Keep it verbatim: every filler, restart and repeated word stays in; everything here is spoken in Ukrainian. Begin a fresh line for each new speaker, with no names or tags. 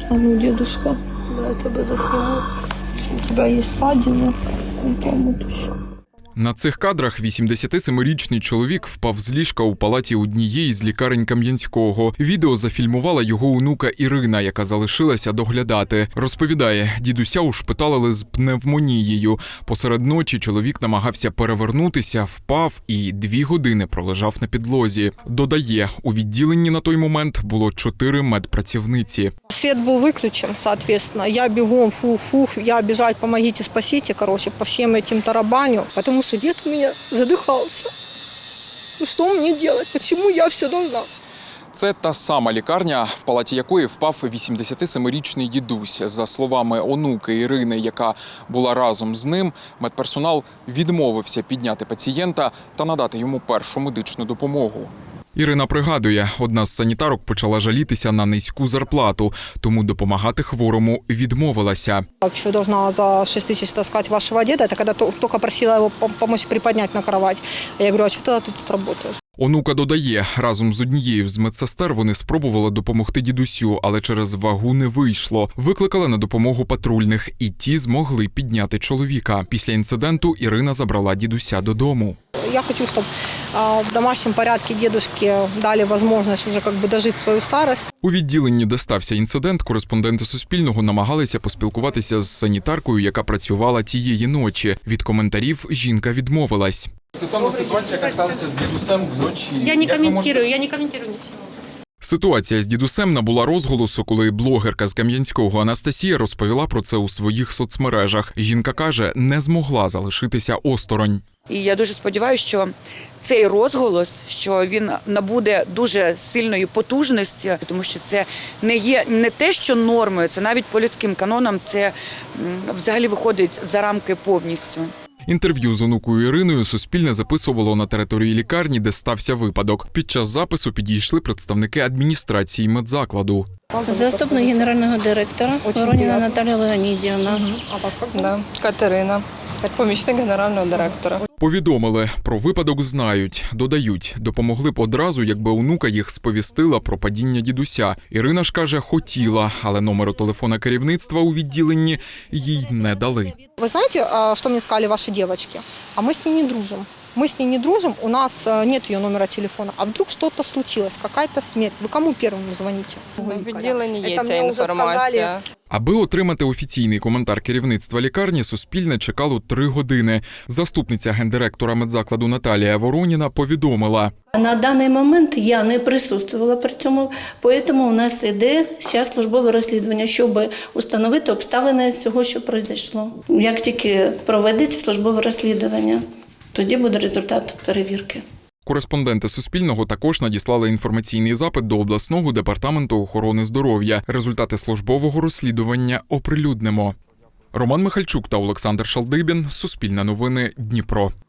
А ну, дедушка, я тебя засниму. У тебя есть ссадины.
На цих кадрах вісімдесятисемирічний чоловік впав з ліжка у палаті однієї з лікарень Кам'янського. Відео зафільмувала його онука Ірина, яка залишилася доглядати. Розповідає, дідуся ушпиталили з пневмонією. Посеред ночі чоловік намагався перевернутися, впав і дві години пролежав на підлозі. Додає, у відділенні на той момент було чотири медпрацівниці.
Свет был выключен, соответственно. Я бегом, фух-фух, я бежать, помогите, спасите, короче, по всем этим тарабаню. Потому что дед у меня задыхался. Ну что мне делать? Почему я все должна?
Це та сама лікарня, в палаті якої впав вісімдесятисемирічний дідусь. За словами онуки Ірини, яка була разом з ним, медперсонал відмовився підняти пацієнта та надати йому першу медичну допомогу. Ірина пригадує, одна з санітарок почала жалітися на низьку зарплату, тому допомагати хворому відмовилася.
Что должна за шесть тысяч таскать вашего деда, это когда только просила его помочь приподнять на кровать. Я говорю, а что ты тут работаешь?
Онука додає, разом з однією з медсестер вони спробували допомогти дідусю, але через вагу не вийшло. Викликали на допомогу патрульних, і ті змогли підняти чоловіка. Після інциденту Ірина забрала дідуся додому.
Я хочу, чтобы в домашнем порядке дедушке дали возможность уже как бы дожить свою старость.
У відділенні, де стався інцидент, кореспонденти Суспільного намагалися поспілкуватися з санітаркою, яка працювала тієї ночі. Від коментарів жінка відмовилась. Стосовно ситуації, яка сталася з дідусем вночі.
Я не коментую, я не коментую нічого.
Ситуація з дідусем набула розголосу, коли блогерка з Кам'янського Анастасія розповіла про це у своїх соцмережах. Жінка каже, не змогла залишитися осторонь.
І я дуже сподіваюся, що цей розголос, що він набуде дуже сильної потужності, тому що це не є не те, що нормою, це навіть по людським канонам, це взагалі виходить за рамки повністю.
Інтерв'ю з онукою Іриною Суспільне записувало на території лікарні, де стався випадок. Під час запису підійшли представники адміністрації медзакладу.
Заступник генерального директора Вороніна Наталія Леонідівна.
А вас как?
Да, Катерина, помічник генерального директора.
Повідомили, про випадок знають. Додають, допомогли б одразу, якби онука їх сповістила про падіння дідуся. Ірина ж каже, хотіла, але номеру телефона керівництва у відділенні їй не дали.
Вы знаете, что мне сказали ваши девочки? А мы с ней не дружим. Мы с ней не дружим, у нас нет ее номера телефона. А вдруг что-то случилось, какая-то смерть? Вы кому первому звоните?
В відділенні є ця інформація.
Аби отримати офіційний коментар керівництва лікарні, Суспільне чекало три години. Заступниця гендиректора медзакладу Наталія Вороніна повідомила.
На даний момент я не присутствувала при цьому, тому у нас іде зараз службове розслідування, щоб встановити обставини цього, що пройшло. Як тільки проведеться службове розслідування, тоді буде результат перевірки.
Кореспонденти Суспільного також надіслали інформаційний запит до обласного департаменту охорони здоров'я. Результати службового розслідування оприлюднимо. Роман Михальчук та Олександр Шалдибін. Суспільне новини. Дніпро.